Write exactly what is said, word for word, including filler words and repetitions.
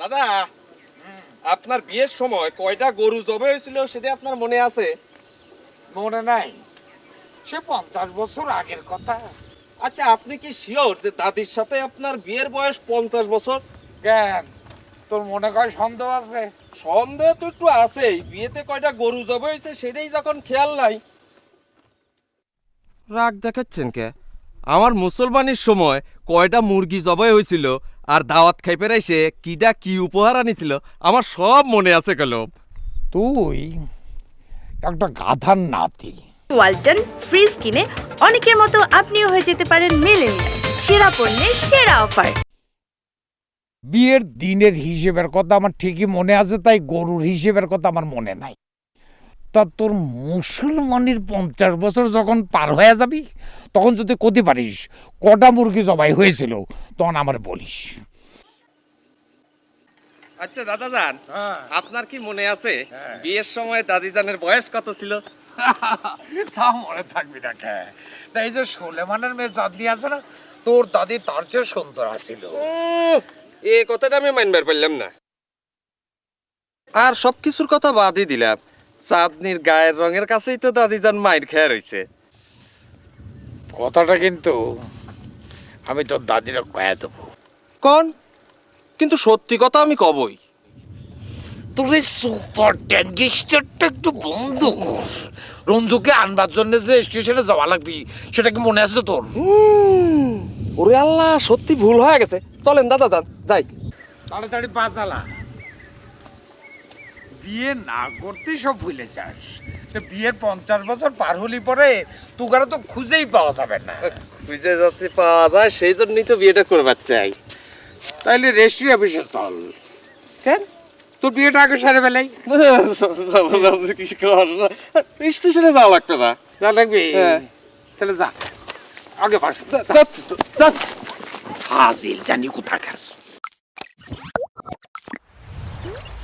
দাদা, আপনার বিয়ের সময় কয়টা গরু জবে হয়েছিল সেটা আপনার মনে আছে? মনে নাই, সে পঞ্চাশ বছর আগের কথা। আচ্ছা, আপনি কি শিওর যে দাদির সাথে আপনার বিয়ের বয়স পঞ্চাশ বছর? কেন, তোর মনে কয় সন্দেহ আছে? সন্দেহ তো একটু আছেই। বিয়েতে কয়টা গরু জবে হয়েছে সেটাই যখন খেয়াল নাই। রাগ দেখাচ্ছেন কে? আমার মুসলমানের সময় কয়টা মুরগি জবাই হয়েছিল আর দাওয়াত খাইপে এসে কিডা কি উপহার আনিছিল আমার সব মনে আছে কলম। তুই একটা গাধার নাতি। ওয়ালটন ফ্রিজ কিনে অনেকের মতো আপনিও হয়ে যেতে পারেন মিলেনিয়াল। সেরা পণ্যের সেরা অফার। বিয়ের দিনের হিসেবের কথা আমার ঠিকই মনে আছে, তাই গরুর হিসেবের কথা আমার মনে নাই। তা তোর মুসলমানের পঞ্চাশ বছর যখন পার হয়ে যাবি তখন যদি কতে পারিস কটা মুরগি জবাই হয়েছিল তখন আমার বলিস। আচ্ছা দাদা যান, আপনার কি মনে আছে বিয়ের সময় দাদি জানের বয়স কত ছিল? তা মনে থাকবি না কে? এই যে সুলেমানের মেয়ে চাঁদনি আছে না, তোর দাদি তার চেয়ে সুন্দর আছিল। এ কথাটা আমি মানবার পারলাম না। আর সবকিছুর কথা বাদই দিলাম, চাঁদনির গায়ের রঙের কাছেই তো দাদি যান মায়ের খেয়া রয়েছে। কথাটা কিন্তু আমি তোর দাদিরা কয়ে দেবো। কোন? কিন্তু সত্যি কথা আমি কবই। তোর এই সুপার ট্যাঙ্গিস্টারটা একটু বন্ধ কর। রঞ্জুকে আনবার জন্য যে স্টেশনে যাওয়া লাগবি সেটা কি মনে আছে তোর? ওরে আল্লাহ, সত্যি ভুল হয়ে গেছে। চলেন দাদা যান, যাই। তাড়াতাড়ি বাঁচালা, বিয়ে না করতেই সব ভুলে যাস। বিয়ের পঞ্চাশ বছর পার হলি পরে তুগারা তো খুঁজেই পাওয়া যাবে না। খুঁজে যাতে পাওয়া যায় সেই জন্যই তো বিয়েটা করবার চাই। তাইলে রেজিস্ট্রি অফিসে চল। কেন? তোর বিয়েটা আগে সারে বেলাই স্টেশনে যাওয়া লাগবে না। যা লাগবে হ্যাঁ। তাহলে যা আগে বাস। হাজিল জানি কোথাকার।